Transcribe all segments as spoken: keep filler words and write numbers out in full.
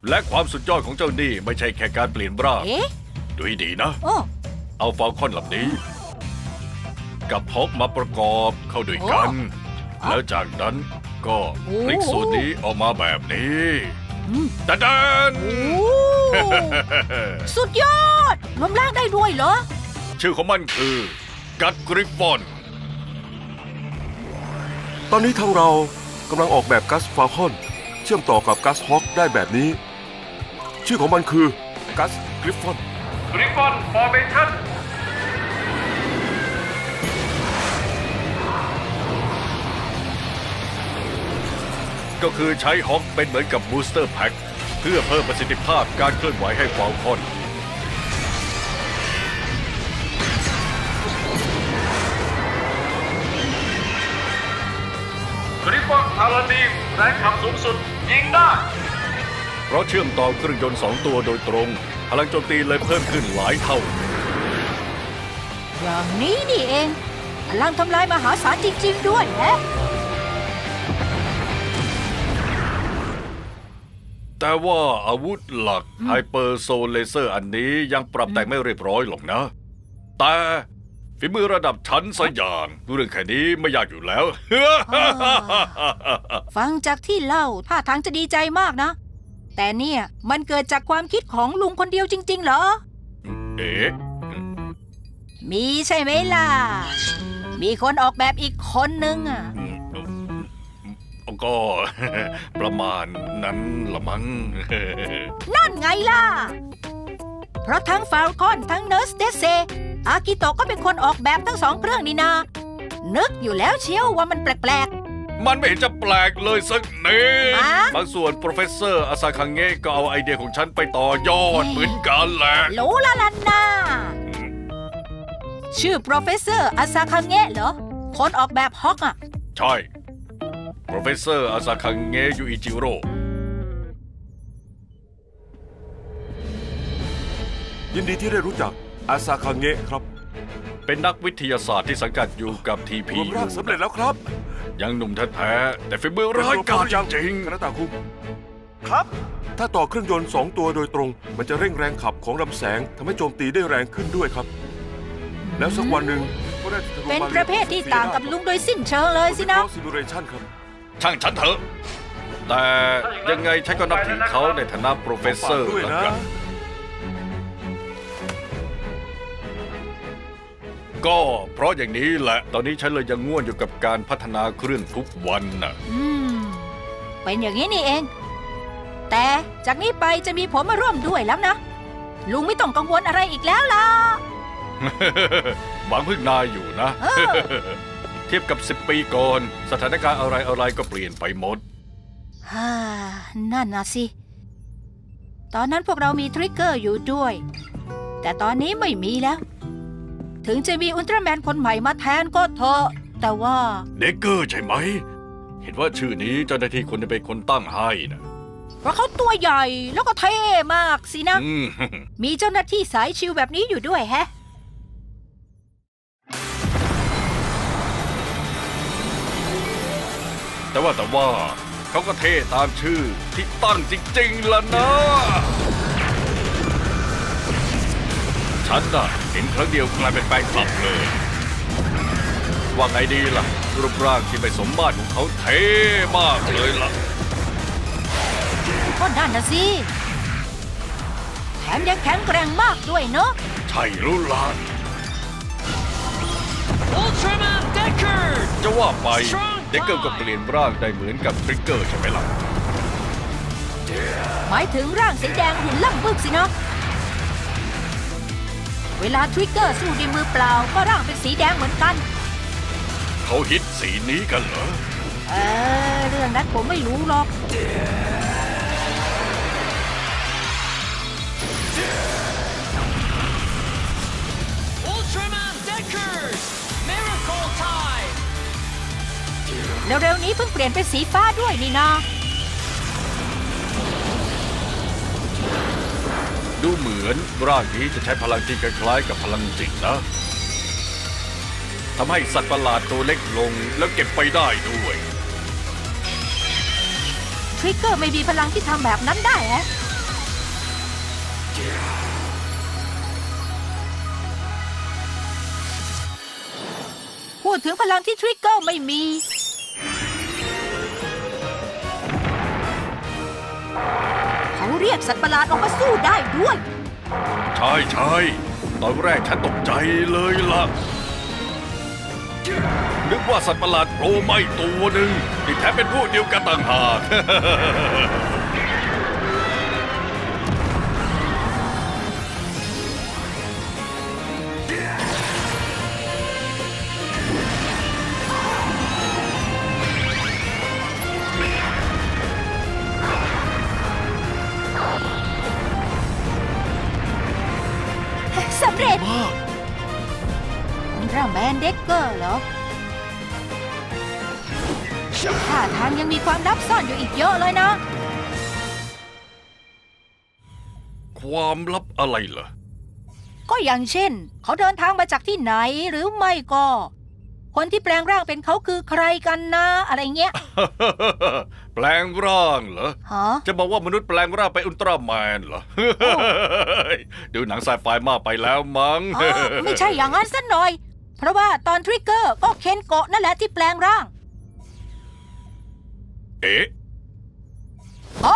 และความสุดยอดของเจ้านี่ไม่ใช่แค่การเปลี่ยนร่างดูให้ดีนะเอาฟอลคอนลำนี้กับฮอกมาประกอบเข้าด้วยกันแล้วจากนั้นก็พลิกส่วนนี้ออกมาแบบนี้ดันดันสุดยอดรวมร่างได้ด้วยเหรอชื่อของมันคือกัตกริฟฟอนตอนนี้ทางเรากำลังออกแบบกัสฟาลคอนเชื่อมต่อกับกัสฮอคได้แบบนี้ชื่อของมันคือกัสกริฟฟอนกริฟฟอนฟอร์เมชั่นก็คือใช้ฮอคเป็นเหมือนกับบูสเตอร์แพ็คเพื่อเพิ่มประสิทธิภาพการเคลื่อนไหวให้ฟาลคอนกริฟฟอนพาราดีมแรงขับสูงสุดยิงได้เพราะเชื่อมต่อเครื่องยนต์สองตัวโดยตรงพลังโจมตีเลยเพิ่มขึ้นหลายเท่าอย่างนี้นี่เองพลังทำลายมหาศาลจริงๆด้วยแฮะแต่ว่าอาวุธหลักไฮเปอร์โซลเลเซอร์อันนี้ยังปรับแต่งไม่เรียบร้อยหรอกนะแต่ฝีมือระดับชั้นสยางเรื่องแค่นี้ไม่ยากอยู่แล้วฟังจากที่เล่าท่าทางจะดีใจมากนะแต่เนี่ยมันเกิดจากความคิดของลุงคนเดียวจริงๆเหรอเอ๊ะมีใช่ไหมล่ะมีคนออกแบบอีกคนนึงอ่ะก็ประมาณนั้นละมั้งนั่นไงล่ะเพราะทั้งฟาลคอนทั้งเนิร์สเดเซอากิโตะก็เป็นคนออกแบบทั้งสองเครื่องนี่นานึกอยู่แล้วเชียวว่ามันแปลกๆมันไม่เห็นจะแปลกเลยสักนิดบางส่วนโปรเฟสเซอร์อาซาคังเงะก็เอาไอเดียของฉันไปต่อยอดเหมือนกันแหละรู้ละลันนาชื่อโปรเฟสเซอร์อาซาคังเงะเหรอคนออกแบบฮอกอ่ะใช่โปรเฟสเซอร์อาซาคังเงะยูอิจิโร่ยินดีที่ได้รู้จักอาซาคังเงะครับเป็นนักวิทยาศาสตร์ที่สังกัดอยู่กับทีพีรวมร่างสำเร็จแล้วครับยังหนุ่มแท้ๆแต่ฝีมือร้ายกาจจริงคณะตาคุครับถ้าต่อเครื่องยนต์สองตัวโดยตรงมันจะเร่งแรงขับของลำแสงทำให้โจมตีได้แรงขึ้นด้วยครับแล้วสักวันหนึ่งก็ได้เป็นประเภทที่ต่างกับลุงโดยสิ้นเชิงเลยสินะซิมูเลชันครับช่างฉันเถอะแต่ยังไงฉันก็นับถือเขาในฐานะโปรเฟสเซอร์แล้วกันก็เพราะอย่างนี้แหละตอนนี้ฉันเลยยังง่วนอยู่กับการพัฒนาเครื่องทุกวันน่ะอืมเป็นอย่างนี้นี่เองแต่จากนี้ไปจะมีผมมาร่วมด้วยแล้วนะลุงไม่ต้องกังวลอะไรอีกแล้วล่ะหวังพึ่งนายอยู่นะเทียบกับสิบปีก่อนสถานการณ์อะไรอะไรก็เปลี่ยนไปหมดฮ่านั่นนะสิตอนนั้นพวกเรามีทริกเกอร์อยู่ด้วยแต่ตอนนี้ไม่มีแล้วถึงจะมีอุลตร้าแมนคนใหม่มาแทนก็เถอะแต่ว่าเด็กเกอร์ใช่ไหมเห็นว่าชื่อนี้เจ้าหน้าที่คนจะเป็นคนตั้งให้นะเพราะเขาตัวใหญ่แล้วก็เท่มากสินะมีเจ้าหน้าที่สายชิลแบบนี้อยู่ด้วยแฮะแต่ว่าแต่ว่าเขาก็เท่ตามชื่อที่ตั้งจริงๆล่ะนะฉันน่ะเห็นครั้งเดียวกลายเป็นแฟนคลับเลยว่าไงดีล่ะรูปร่างที่ไม่สมมาตรของเขาเท่มากเลยล่ะก็นั่นนะสิแถมยังแข็งแกร่งมากด้วยเนอะใช่รู้ล่ะจะว่าไปเด็กเกิร์ก็เปลี่ยนร่างได้เหมือนกับทริกเกอร์ใช่ไหมล่ะหมายถึงร่างสีแดงหุ่นล่ำบึกสินะเวลาทริกเกอร์สู้ด้วยมือเปล่าก็ร่างเป็นสีแดงเหมือนกันเขาฮิตสีนี้กันเหรอเออเรื่องนั้นผมไม่รู้หรอกเร็วๆนี้เพิ่งเปลี่ยนเป็นสีฟ้าด้วยนี่นาดูเหมือนร่างนี้จะใช้พลังที่คล้ายๆกับพลังจิตนะทำให้สัตว์ประหลาดตัวเล็กลงแล้วเก็บไปได้ด้วยทริกเกอร์ไม่มีพลังที่ทำแบบนั้นได้ฮะพูดถึงพลังที่ทริกเกอร์ไม่มี เขาเรียกสัตว์ประหลาดออกมาสู้ได้ด้วยใช่ใช่ตอนแรกฉันตกใจเลยล่ะ นึกว่าสัตว์ประหลาดโผล่ไม่ตัวหนึ่งที่แท้เป็นพวกเดียวกันต่างหากสำเร็จอุลตร้าแมนเด็กเกอร์เหรอท่าทางยังมีความลับซ่อนอยู่อีกเยอะเลยนะความลับอะไรเหรอก็อย่างเช่น เขาเดินทางมาจากที่ไหนหรือไม่ก็ คนที่แปลงร่างเป็นเขาคือใครกันนะอะไรเงี้ยแปลงร่างเหรอฮะจะบอกว่ามนุษย์แปลงร่างเป็นอุลตร้าแมนเหรอ ดูหนังไซไฟมากไปแล้วมั้งอ๋อไม่ใช่อย่างนั้นสักหน่อย เพราะว่าตอนทริกเกอร์ก็เคนโกะนั่นแหละที่แปลงร่างเอ๊ะอ๋อ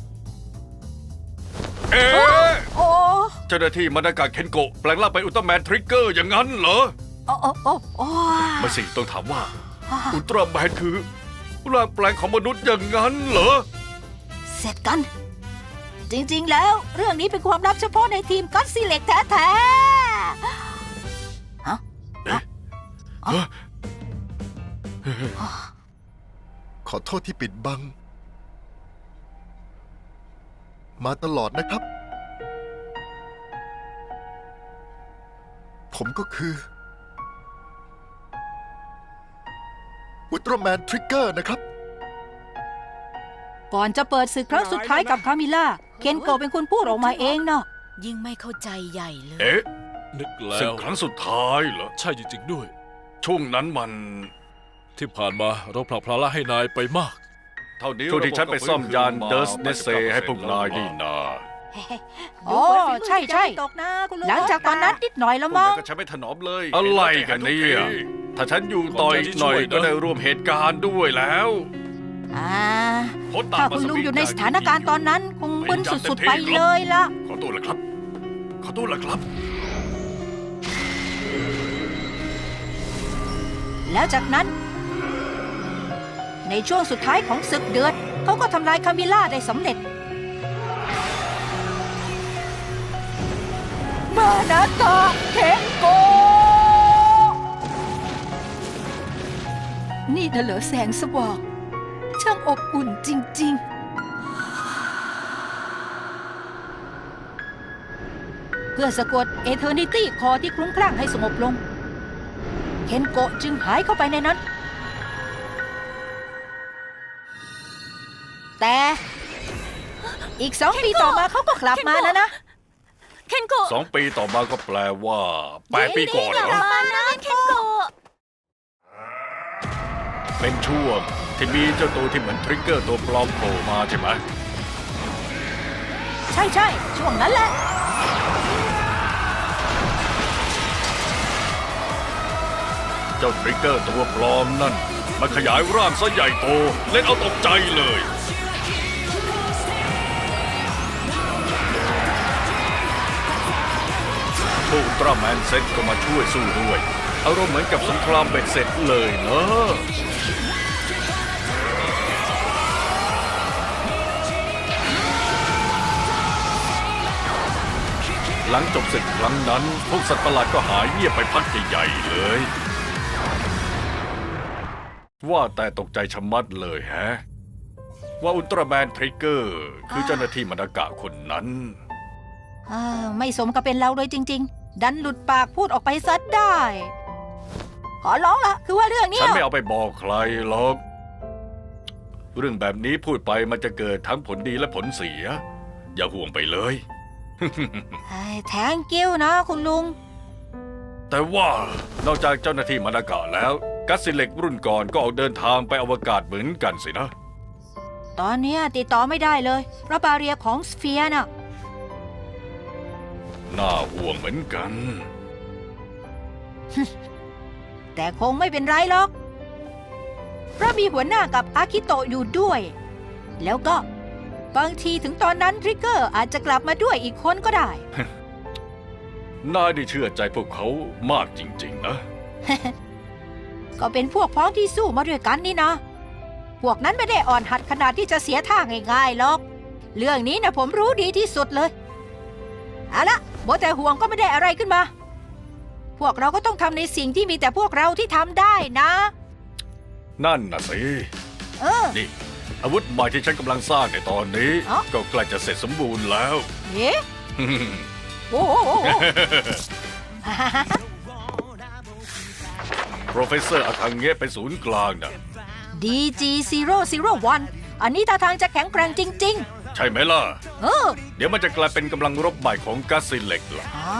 เอ๊ะโอ้เจ้าหน้าที่มานากาเคนโกะแปลงร่างเป็นอุลตร้าแมนทริกเกอร์อย่างนั้นเหรอโอ้โอ้โอ้โอ้ไม่สิต้องถามว่า อุลตร้าแมนคือร่างแปลงของมนุษย์อย่างนั้นเหรอเสร็จกัน จริงๆแล้วเรื่องนี้เป็นความลับเฉพาะในทีมก็อดซิเล็กแท้ๆฮะเอ๊ะขอโทษที่ปิดบัง มาตลอดนะครับ ผมก็คืออุลตร้าแมนทริกเกอร์นะครับก่อนจะเปิดศึกครั้งสุดท้ายกับคามิล่า เคนโกะเป็นคนพูดออกมาเองเนาะยิ่งไม่เข้าใจใหญ่เลยเอ๊ะนึกแล้ศึกวครั้งสุดท้ายเหรอใช่จริงๆด้วยช่วงนั้นมันที่ผ่านมาเราผลักภาระให้นายไปมากเท่านี้ช่วงที่ฉันไปซ่อมยานเดอร์สเนเซให้พวกนายนี่นาโอ้ใช่ใช่หลังจากตอนนั้นนิดหน่อยแล้วพวกมั้นั้งนก็ใช้ไม่ถนอมเลย อะไรกันเนี่ยถ้าฉันอยู่ต่ออีกหน่อยก็ได้ร่วมเหตุการณ์ด้วยแล้วอ่าโค้ชตามถ้ามาคุณลุงสวีทอยู่ในสถานการณ์ตอนนั้นคงมึนพยายามสุดเต็ๆมที่ไปครับเลยล่ะขอตัวละครับ ขอตัวละครับแล้วจากนั้น ในช่วงสุดท้ายของศึกเดือดเขาก็ทำลายคามิล่าได้สำเร็จ มานาตะเคนโกะนี่น่ะเหรอแสงสว่างช่างอบอุ่นจริง ๆ เพื่อสะกดเอเทอร์นิตี้คอที่คลุ้มคลั่งให้สงบลง เคนโกะจึงหายเข้าไปในนั้น แต่อีกสองปีต่อมาเขาก็กลับมาแล้วนะเคนโกะสองปีต่อมาก็แปลว่าแปดปีก่อนเหรอมานะเคนโกะเป็นช่วงที่มีเจ้าตัวที่เหมือนทริกเกอร์ตัวปลอมโผล่มาใช่ไหมใช่ใช่ช่วงนั้นแหละเจ้าทริกเกอร์ตัวปลอมนั่นมันขยายร่างซะใหญ่โตเล่นเอาตกใจเลยพวกอุลตร้าแมนเซ็ตก็มาช่วยสู้ด้วยอารมณ์เหมือนกับสงครามเบ็ดเสร็จเลยเนอะหลังจบศึกครั้งนั้นพวกสัตว์ประหลาดก็หายเงียบไปพักใหญ่ๆเลย ว่าแต่ตกใจชะมัดเลยแฮะ ว่าอุลตร้าแมนทริกเกอร์คือเจ้าหน้าที่มานากะคนนั้นอ่าไม่สมกับเป็นเราเลยจริง ๆ ดันหลุดปากพูดออกไปซะได้ ขอร้องละคือว่าเรื่องเนี้ฉัยนไม่เอาไปบอกใครหรอก เรื่องแบบนี้พูดไปมันจะเกิดทั้งผลดีและผลเสีย อย่าห่วงไปเลยแทงกิ้วนะคุณลุงแต่ว่านอกจากเจ้าหน้าที่มานากะแล้วกัสซิเล็กรุ่นก่อนก็ออกเดินทางไปอวกาศเหมือนกันสินะตอนเนี้ยติดต่อไม่ได้เลยเพราะบาเรียของสเฟียร์น่ะน่าห่วงเหมือนกันแต่คงไม่เป็นไรหรอก เพราะมีหัวหน้ากับอากิโตะอยู่ด้วย แล้วก็บางทีถึงตอนนั้นทริกเกอร์อาจจะกลับมาด้วยอีกคนก็ได้นายได้เชื่อใจพวกเขามากจริงๆนะก็เป็นพวกพ้องที่สู้มาด้วยกันนี่นะ พวกนั้นไม่ได้อ่อนหัดขนาดที่จะเสียท่าง่ายๆหรอก เรื่องนี้นะผมรู้ดีที่สุดเลย เอาละโบแต่ห่วงก็ไม่ได้อะไรขึ้นมา พวกเราก็ต้องทำในสิ่งที่มีแต่พวกเราที่ทำได้นะนั่นน่ะสิเออนี่ อาวุธใหม่ที่ฉันกำลังสร้างในตอนนี้อ๋อก็ใกล้จะเสร็จสมบูรณ์แล้วเอ๊ะโอ้โหโปรเฟสเซอร์อาคังเงะเป็นศูนย์กลางนะดี จี ศูนย์ ศูนย์ หนึ่ง อันนี้ท่าทางจะแข็งแกร่งจริงใช่ไหมล่ะๆ เออเดี๋ยวมันจะกลายเป็นกำลังรบใหม่ของกัสซิเล็กล่ะอ่า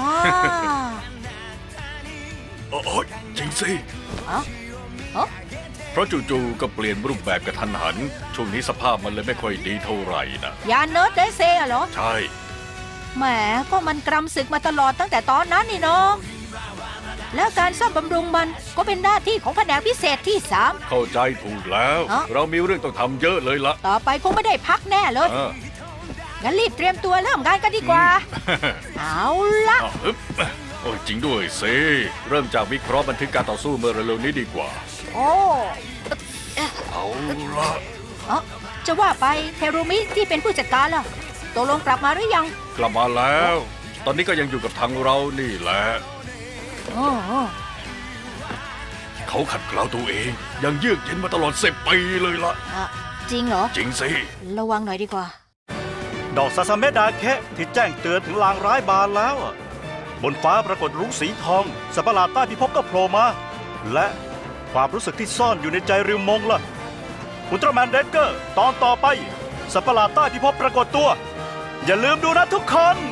โอ้ยจริงสิอ๋ออ๋อเพราะจู่ๆก็เปลี่ยนรูปแบบกระทันหัน ช่วงนี้สภาพมันเลยไม่ค่อยดีเท่าไหร่นะยานเนิร์ดเดเซอะเหรอใช่แหมก็มันกรำศึกมาตลอดตั้งแต่ตอนนั้นนี่น้อง แล้วการซ่อมบำรุงมันก็เป็นหน้าที่ของแผนกพิเศษที่สามเข้าใจถูกแล้วอ๋อเรามีเรื่องต้องทำเยอะเลยละต่อไปคงไม่ได้พักแน่เลยเอองั้นรีบเตรียมตัวเริ่มงานกันดีกว่า เอาละอ้าวอึ๊บโอ้ยจริงด้วยสิเริ่มจากวิเคราะห์บันทึกการต่อสู้เมื่อเร็วๆนี้ดีกว่าโอ้เอาละเอ้อจะว่าไปเทรุมิที่เป็นผู้จัดการล่ะตกลงกลับมาหรือยังกลับมาแล้ว ตอนนี้ก็ยังอยู่กับทางเรานี่แหละโอ้โอ้เขาขัดเกลาตัวเอง ยังเยือกเย็นมาตลอดสิบปีเลยละอะจริงเหรอจริงสิระวังหน่อยดีกว่าดอกซาซาเมะดาแคะที่แจ้งเตือนถึงลางร้ายบานแล้วอะบนฟ้าปรากฏรุ้งสีทองสัตว์ประหลาดใต้พิภพก็โผล่มา และความรู้สึกที่ซ่อนอยู่ในใจริวมงล่ะอุลตร้าแมนเดดเกอร์ตอนต่อไปสัตว์ประหลาดใต้พิภพปรากฏตัว อย่าลืมดูนะทุกคน